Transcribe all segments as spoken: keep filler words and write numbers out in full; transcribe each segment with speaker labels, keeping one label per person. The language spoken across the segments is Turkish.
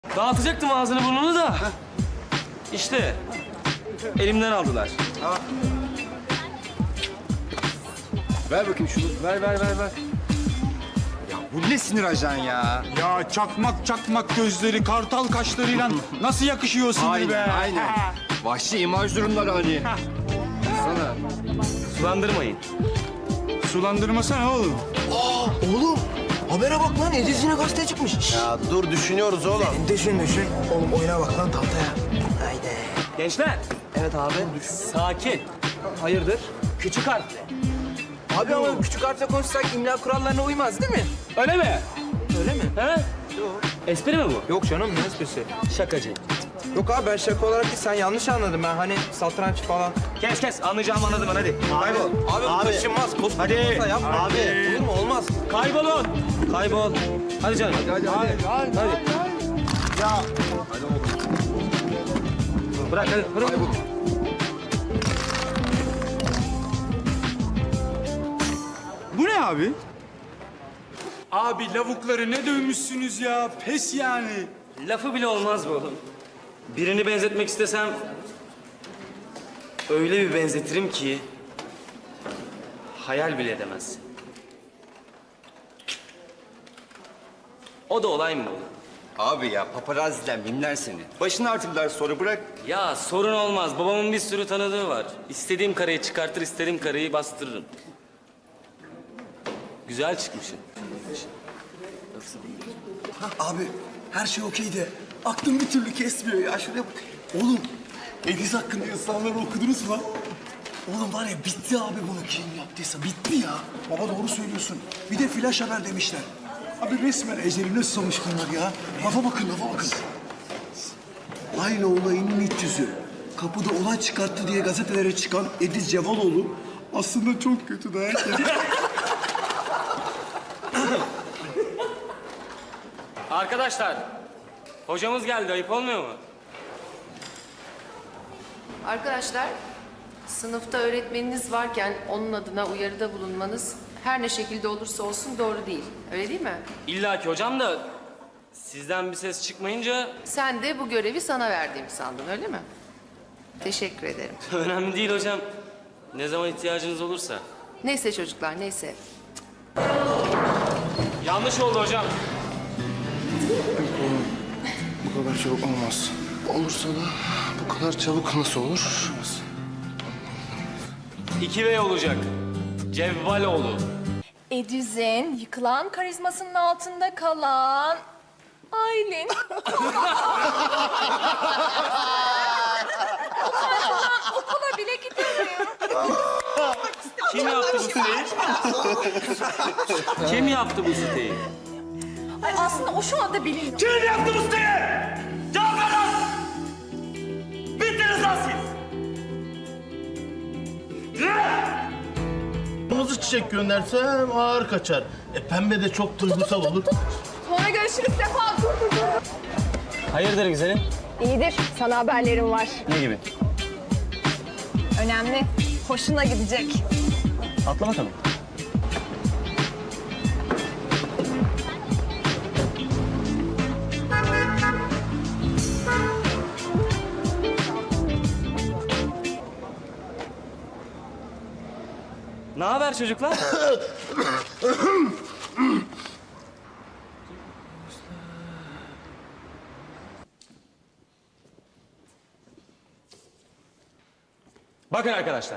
Speaker 1: Dağıtacaktım ağzını burnunu da. İşte elimden aldılar.
Speaker 2: Ha. Ver bakayım şunu.
Speaker 1: Ver ver ver ver.
Speaker 2: Ya bu ne sinir ajan ya?
Speaker 3: Ya çakmak çakmak gözleri, kartal kaşlarıyla nasıl yakışıyor o sinir be?
Speaker 2: Aynen, aynen. Vahşi imaj durumları hani. Sana.
Speaker 1: Sulandırmayın.
Speaker 3: Sulandırmasana oğlum.
Speaker 4: Oğlum habere bak lan Ediz yine gazeteye çıkmış. Şşş.
Speaker 5: Ya dur düşünüyoruz oğlum.
Speaker 4: Düşün düşün. Oğlum oyuna bak lan tahtaya. Haydi.
Speaker 1: Gençler
Speaker 4: Evet abi.
Speaker 1: sakin.
Speaker 4: Hayırdır?
Speaker 1: Küçük harfle.
Speaker 4: Abi ama küçük harfle konuşsak imla kurallarına uymaz değil mi?
Speaker 1: Öyle mi?
Speaker 4: Öyle mi?
Speaker 1: He? Yok. Espri mi bu?
Speaker 4: Yok canım ne esprisi?
Speaker 1: Şakacı.
Speaker 4: Yok abi ben şaka olarak değil sen yanlış anladın ben hani satranç falan.
Speaker 1: Kes kes anlayacağımı anladım ben hadi. Kaybol.
Speaker 4: Abi bu taşınmaz. Koskoca
Speaker 1: Hadi.
Speaker 4: masa yapma.
Speaker 5: Abi.
Speaker 4: Olur mu? Olmaz.
Speaker 1: Kaybolun. Kaybol. Hadi canım.
Speaker 2: Hadi hadi.
Speaker 3: Hadi,
Speaker 1: Hadi.
Speaker 3: Ya
Speaker 1: Bırak hadi. Bırak.
Speaker 3: bu ne abi? Abi lavukları ne dövmüşsünüz ya. Pes yani.
Speaker 1: Lafı bile olmaz bu oğlum. Birini benzetmek istesem öyle bir benzetirim ki hayal bile edemezsin. O da olay mı oğlum?
Speaker 2: Abi ya paparazziden mimler seni. Başını artırdılar sonra bırak.
Speaker 1: Ya sorun olmaz. Babamın bir sürü tanıdığı var. İstediğim kareyi çıkartır, istediğim kareyi bastırırım. Güzel çıkmışsın.
Speaker 6: Abi her şey okey de aklım bir türlü kesmiyor ya. Şuraya bak. Oğlum Ediz hakkında yazılanları okudunuz mu lan? Oğlum var ya bitti abi bunu kim yaptıysa bitti ya. Baba doğru söylüyorsun. Bir de flash haber demişler. Abi resmen ecelini susamış bunlar ya. Lafa bakın lafa bakın. Aynı olayının iç yüzü. Kapıda olay çıkarttı diye gazetelere çıkan Ediz Cevaloğlu aslında çok kötü dayak yedi.
Speaker 1: Arkadaşlar, hocamız geldi. Ayıp olmuyor mu?
Speaker 7: Arkadaşlar, sınıfta öğretmeniniz varken onun adına uyarıda bulunmanız her ne şekilde olursa olsun doğru değil. Öyle değil mi?
Speaker 1: İlla ki hocam da sizden bir ses çıkmayınca
Speaker 7: Sen de bu görevi sana verdiğimi sandın, öyle mi? Teşekkür ederim.
Speaker 1: önemli değil hocam. Ne zaman ihtiyacınız olursa.
Speaker 7: Neyse çocuklar, neyse.
Speaker 1: Yanlış oldu hocam.
Speaker 5: Bu kadar çabuk olmaz. Olursa da bu kadar çabuk nasıl olur?
Speaker 1: İki V olacak. Cevvaloğlu.
Speaker 8: Ediz'in yıkılan karizmasının altında kalan Aylin. Utanmadan okula bile gidemiyor.
Speaker 1: Kim yaptı bu siteyi? Kim yaptı bu siteyi?
Speaker 8: Ay aslında o şu anda biliniyor.
Speaker 1: Kim yaptı bu siteyi? Cevap ver lan! Bittiniz lan siz!
Speaker 9: Kırmızı çiçek göndersem ağır kaçar. E pembe de çok duygusal olur.
Speaker 8: Sonra görüşürüz Sefa. Dur dur dur.
Speaker 1: Hayırdır güzelim?
Speaker 8: İyidir. Sana haberlerim var.
Speaker 1: Ne gibi?
Speaker 8: Önemli. Hoşuna gidecek.
Speaker 1: Atla bakalım. Ne haber çocuklar? Bakın arkadaşlar.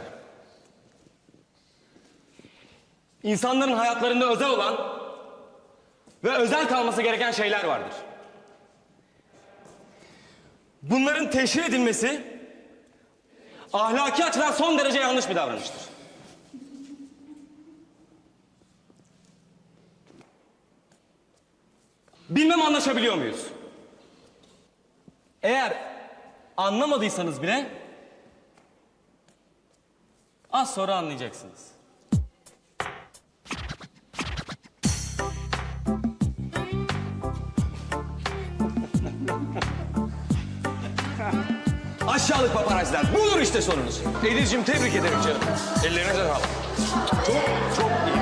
Speaker 1: İnsanların hayatlarında özel olan ve özel kalması gereken şeyler vardır. Bunların teşhir edilmesi ahlaki açıdan son derece yanlış bir davranıştır. Bilmem anlaşabiliyor muyuz? Eğer anlamadıysanız bile az sonra anlayacaksınız. Aşağılık paparazziler. Budur işte sorunuz. Ediz'cim tebrik ederim canım. Ellerine sağlık. Çok çok iyi.